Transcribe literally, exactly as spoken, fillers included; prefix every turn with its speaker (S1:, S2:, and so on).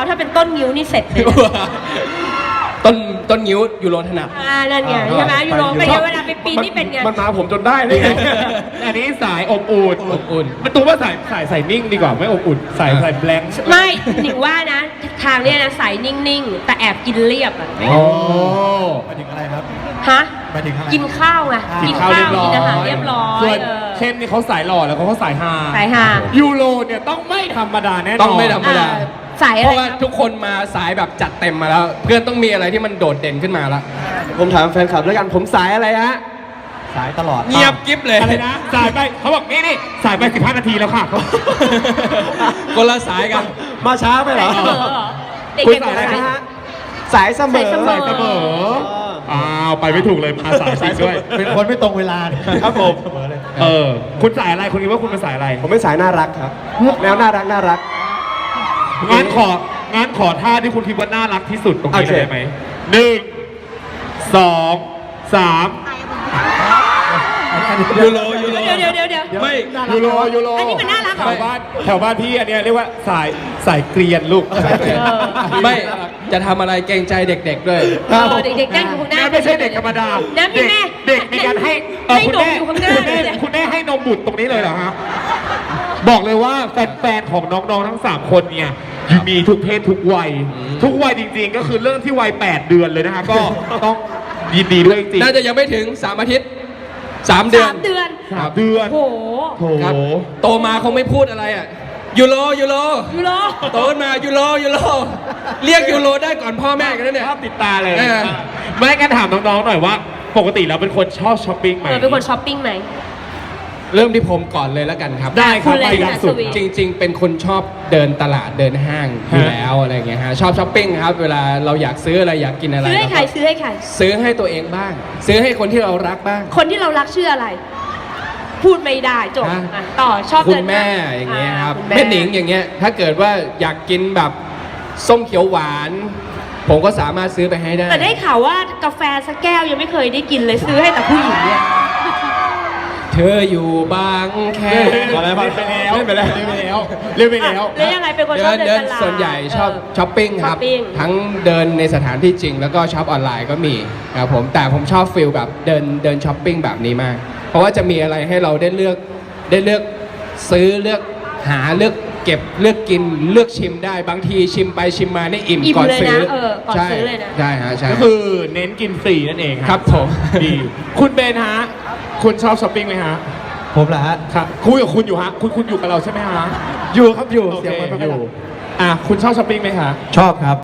S1: ถ้าเป็นต้นงิ้วนี่เสร็จเลย
S2: ต้นต้นนิ้วยูโรถนัด
S1: อ่านั่นไงใช่ไหมยูโรเป็นไงเวลาไปปีนนี่เป็นไง
S3: มันมาผมจนได้เลยไง อันนี้สายอบอุ่น
S2: อบอุ่น
S3: มันตัวว่าสายสายใส่นิ่งดีกว่าไม่อบอุ่นใส่ใส่แบงค์
S1: ไม่หนิงว่านะ ทางเนี้ยนะใสนิ่งๆ แต่แอบกินเรียบอ่ะ
S3: โอ้
S4: หมายถึงอะไรครับ
S1: ฮะ
S4: หมายถึงอะไร
S1: กินข้าวไง
S3: กินข้าวเรียบร้อย
S1: กินอาหารเรียบร้อย
S3: ส่วน
S1: เออ
S3: เข้มนี่เขาสายหล่อแล้วเขาก็สายฮา
S1: สายฮา
S3: ยูโรเนี่ยต้องไม่ธรรมดาแน่นอน
S2: ต้องไม่ธรรมดา
S1: อ่าสายอะ
S2: เพ
S1: ไร
S2: ราะว่า
S1: ครับ
S2: ทุกคนมาสายแบบจัดเต็มมาแล้ว เพื่อนต้องมีอะไรที่มันโดดเด่นขึ้นมาแล้ว
S5: ผมถามแฟนคลับแล้วกันผมสายอะไรฮะ
S4: สายตลอด
S2: เงียบกิ๊บเลย
S3: อะไรนะสายไปเขาบอกนี่นี่สายไปสิบห้านาทีแล้วค่ะ
S2: คนละสายกัน
S5: มาช้าไปเหรอ
S1: เออเหรอเด็ก
S5: คุณ
S1: ๆ
S5: สายอะไร
S1: สาย
S5: นะฮะสายเสมอ
S1: สายเสม
S3: สายเสมออ้าวไปไม่ถูกเลยมาสายจริงด้วย
S4: เป็นคนไม่ตรงเวลา
S5: ครับผม
S4: เสมอเลย
S3: เออ คุณสายอะไรคุณคิดว่าคุณเป็นสายอะไร
S5: ผมเป็นสายน่ารักครับแนวน่ารักน่ารัก
S3: งั้นของั้นขอท่าที่คุณคิดว่าน่ารักที่สุดตรงนี้
S5: โอเค
S3: เลยได้ไหมหนึ่งสองสาม
S2: ยูโรยูโร
S1: เดี๋ยวเดี๋ยวเดี๋ยวเดี๋ยว
S2: ไม่
S3: ยูโรยูโร
S1: อันนี้มันน่ารักเหรอ
S3: แถวบ้านแถวบ้านพี่อันเนี้ยเรียกว่าสายสายเกรียนลูก
S2: ไม่จะทำอะไรเกรงใจเด็กๆด้วย
S1: เออเด็กๆนั่งอยู่ข้างหน้า
S3: ไม่ใช่เด็กธรรมดา
S1: นะพี่แม่
S3: เด็กเด็กมีการให้เออ
S1: ให้
S3: คุณ
S1: นม
S3: แม่
S1: อยู่ข้างหน้า
S3: คุณแม่คุณแม่ให้นมบุตรตรงนี้เลยเหรอฮะบอกเลยว่าแฟนๆของน้องๆทั้งสามคนเนี่ยมีทุกเพศทุกวัย
S2: อืม
S3: ทุกวัยจริงๆ ก็คือเริ่มที่วัยแปดเดือนเลยนะคะก็ต้องยินดีด้วยจริงๆ
S2: น่าจะยังไม่ถึงสามอาทิตย์สามเดือน
S1: สามเดือน
S3: สามเดือน
S1: โอ้โห
S3: โถ
S2: ครับโตมาคงไม่พูดอะไรอ่ะยูโรยูโร
S1: ยูโร
S2: โตขึ้นมายูโรยูโรเรียกยูโรได้ก่อนพ่อแม่กันแล้วเนี่ย
S3: ภาพติดตาเลย
S2: เออ
S3: ไม่งั้นถามน้องๆหน่อยว่า ปกติแล้วเป็นคนชอบช้อปปิ้งไหม
S1: เออเป็นคนช้อปปิ้งไหม
S2: เริ่มที่ผมก่อนเลยแล้วกันครับ
S3: ได้ครับ
S1: คุณเลย
S3: ไปอย่างสุด
S1: สวีท
S2: จริง ๆ เป็นคนชอบเดินตลาดเดินห้างอยู่แล้วอะไรเงี้ยฮะชอบช้อปปิ้งครับ เวลาเราอยากซื้ออะไรอยากกินอะไร
S1: ซื้อให้ใคร
S2: เราก็
S1: ซื้อให้ใคร
S2: ซื้อให้ตัวเองบ้าง ซื้อให้คนที่เรารักบ้าง
S1: คนที่เรารักชื่ออะไร พูดไม่ได้จบ
S2: ฮะ
S1: อ่ะต่อชอบ
S2: คุ
S1: เดิ
S2: ณ
S1: น
S2: แม่อย่างเงี้ยครับ
S1: คุณ
S2: แม่หนิงอย่างเงี้ยถ้าเกิดว่าอยากกินแบบส้มเขียวหวาน ผมก็สามารถซื้อไปให้ได้
S1: แต่ได้ข่าวว่ากาแฟสักแก้วยังไม่เคยได้กินเลยซื้อให้แต่ผู้หญิงเนี่ย
S2: เธออยู่บางแค
S3: พอแล้วพอแล้วเล่นไปแล้วเล่นไปแล้วเล่นไปแล้ว
S1: แล้วยังไงเป็นคนช
S2: เดิ
S1: อบ
S2: น
S1: เดิ
S2: เดิ
S1: น
S2: น
S1: ตลาด
S2: ส่วนใหญ่ชอบ
S1: เ
S2: ช้อปปิ้งครับ
S1: ช้อปปิ้ง
S2: ทั้งเดินในสถานที่จริง แล้วก็ช็อปออนไลน์ก็มีครับผมแต่ผมชอบฟิลแบบเดินเดินช้อปปิ้งแบบนี้มาก เพราะว่าจะมีอะไรให้เราได้เลือกได้เลือกซื้อเลือกหาเลือกเก็บเลือกกินเลือกชิมได้บางทีชิมไปชิมมานี่อิ่ม
S1: อิ่ม
S2: ก่อน
S1: เลย
S2: ซื้อ
S1: นะเออก่อน
S2: ใช่
S1: ซื้อเลยนะ
S2: ใช่ฮะใช่
S3: ก็คือเน้นกินฟรีนั่นเอง
S2: ครับผม
S3: ดีคุณเบนฮะ คุณชอบช้อปปิ้งไหมฮะ
S4: ผมเหรอฮะ
S3: ครับคุยกับคุณอยู่ฮะ คุณคุณอยู่กับเราใช่ไหมฮะ
S5: อยู่ครับอยู่
S3: โอ
S5: เสียง
S3: เค
S5: มันไม่
S3: อ
S5: ค่อย
S3: ยู่
S5: ดัง
S3: อ่ะคุณชอบช้อปปิ้งไหมฮะ
S4: ชอบครับ